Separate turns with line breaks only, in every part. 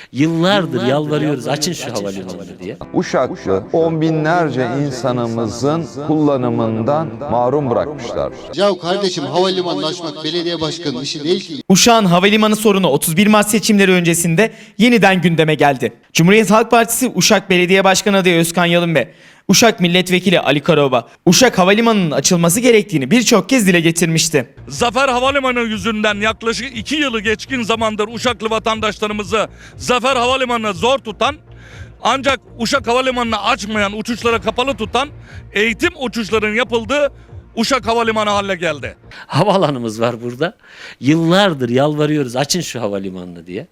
Yıllardır yalvarıyoruz, açın şu havalimanını diye.
Uşaklı on binlerce insanımızın kullanımından mahrum bırakmışlar.
Ya kardeşim, havalimanını açmak belediye başkanının işi değil ki.
Uşak'ın havalimanı sorunu 31 Mart seçimleri öncesinde yeniden gündeme geldi. Cumhuriyet Halk Partisi Uşak Belediye Başkanı adayı Özkan Yalın ve Uşak Milletvekili Ali Karaoba, Uşak Havalimanı'nın açılması gerektiğini birçok kez dile getirmişti.
Zafer Havalimanı yüzünden yaklaşık 2 yılı geçkin zamandır Uşaklı vatandaşlarımızı Zafer Havalimanı'na zor tutan, ancak Uşak Havalimanı'nı açmayan, uçuşlara kapalı tutan eğitim uçuşlarının yapıldığı Uşak Havalimanı haline geldi.
Havaalanımız var burada. Yıllardır yalvarıyoruz, açın şu havalimanını diye.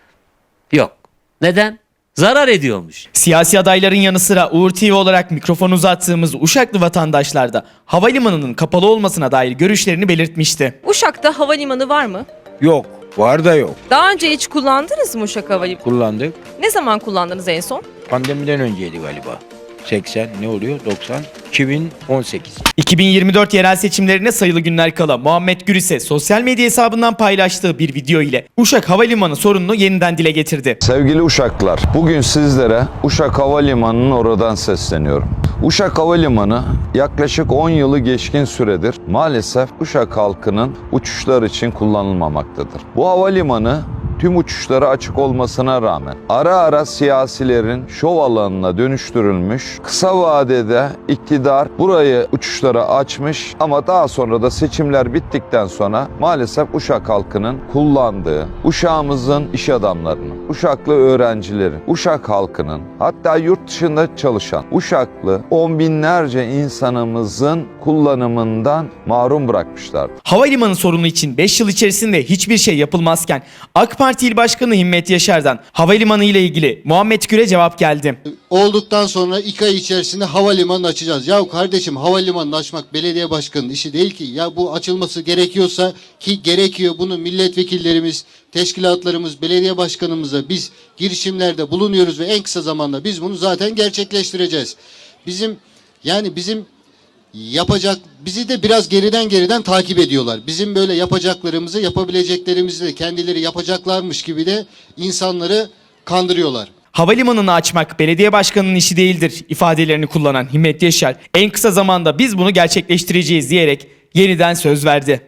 Yok. Neden? Zarar ediyormuş.
Siyasi adayların yanı sıra Uğur TV olarak mikrofon uzattığımız Uşaklı vatandaşlar da havalimanının kapalı olmasına dair görüşlerini belirtmişti.
Uşak'ta havalimanı var mı?
Yok. Var da yok.
Daha önce hiç kullandınız mı Uşak Havalimanı?
Kullandık.
Ne zaman kullandınız en son?
Pandemiden önceydi galiba. 80 ne oluyor? 90. 2018.
2024 yerel seçimlerine sayılı günler kala Muhammed Gür ise sosyal medya hesabından paylaştığı bir video ile Uşak Havalimanı sorununu yeniden dile getirdi.
Sevgili Uşaklılar, bugün sizlere Uşak Havalimanı'nın oradan sesleniyorum. Uşak Havalimanı yaklaşık 10 yılı geçkin süredir maalesef Uşak halkının uçuşlar için kullanılmamaktadır. Bu havalimanı tüm uçuşlara açık olmasına rağmen ara ara siyasilerin şov alanına dönüştürülmüş, kısa vadede iktidar burayı uçuşlara açmış ama daha sonra da seçimler bittikten sonra maalesef Uşak halkının kullandığı, Uşağımızın iş adamlarının, Uşaklı öğrencilerin, Uşak halkının, hatta yurt dışında çalışan Uşaklı on binlerce insanımızın kullanımından mahrum bırakmışlardı.
Havalimanı sorunu için 5 yıl içerisinde hiçbir şey yapılmazken AK Parti İl Başkanı Himmet Yaşar'dan havalimanı ile ilgili Muhammed Gür'e cevap geldi.
Olduktan sonra 2 ay içerisinde havalimanını açacağız. Ya kardeşim, havalimanını açmak belediye başkanının işi değil ki. Ya bu açılması gerekiyorsa, ki gerekiyor, bunu milletvekillerimiz, teşkilatlarımız, belediye başkanımıza biz girişimlerde bulunuyoruz ve en kısa zamanda biz bunu zaten gerçekleştireceğiz. Bizim bizi de biraz geriden takip ediyorlar. Bizim böyle yapacaklarımızı, yapabileceklerimizi de kendileri yapacaklarmış gibi de insanları kandırıyorlar.
Havalimanını açmak belediye başkanının işi değildir ifadelerini kullanan Himmet Yaşar en kısa zamanda biz bunu gerçekleştireceğiz diyerek yeniden söz verdi.